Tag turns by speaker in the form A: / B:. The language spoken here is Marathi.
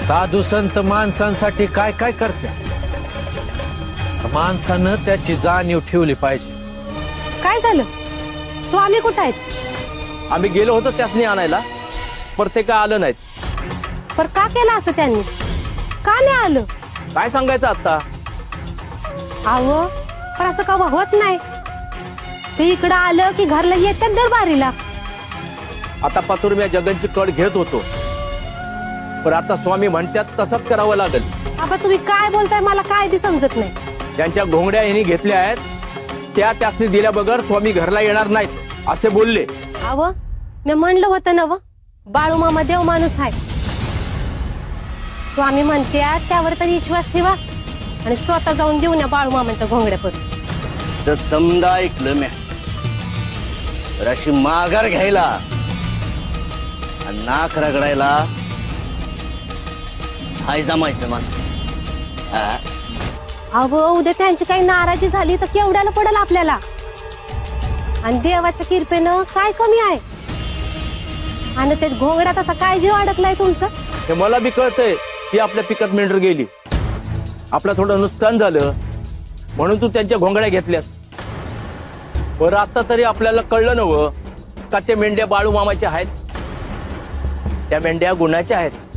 A: साधू संत माणसांसाठी काय काय करते, माणसानं त्याची जाणीव ठेवली पाहिजे.
B: काय झालं? स्वामी कुठं आहेत?
C: आम्ही गेलो होतो त्यासनी आणायला, पर ते काय आलं नाहीत.
B: पर का केलं असं त्यांनी? का नाही आलं?
C: काय सांगायचं आता.
B: अहो पण असं का होत नाही? ते इकडं आलं की घरला येतात दरबारीला.
C: आता पातूर मी जगनची कड घेत होतो, पण आता स्वामी म्हणतात तसंच करावं लागेल.
B: आबा तुम्ही काय बोलताय मला काय बी समजत नाही.
C: ज्यांच्या घोंगड्या यांनी घेतल्या आहेत त्या त्यासनी दिल्या बगर स्वामी घरला येणार नाहीत असे बोलले.
B: अहो मी म्हणलं होतं ना व, बाळू मामा देव माणूस आहे. स्वामी म्हणते त्यावर तरी विश्वास ठेवा आणि स्वतः जाऊन देऊ ना बाळू मामांच्या घोंगड्यापर्यंत.
D: तर समजा ऐकलं म्या, तर अशी माघार घ्यायला आणि नाक रगडायला हाय जमायचं मन.
B: अहो उद्या त्यांची काही नाराजी झाली तर केवढ्याला पडेल आपल्याला. आणि देवाच्या कृपेनं काय कमी आहे? आणि ते घोंगड्यात असा काय जीव अडकलाय तुमचं?
C: हे मला बी कळतंय की आपल्या पिकात मेंढर गेली, आपलं थोडं नुकसान झालं म्हणून तू त्यांच्या घोंगड्या घेतल्यास. बरं आता तरी आपल्याला कळलं नव्ह का ते मेंढ्या बाळू मामाच्या आहेत, त्या मेंढ्या गुणाच्या आहेत.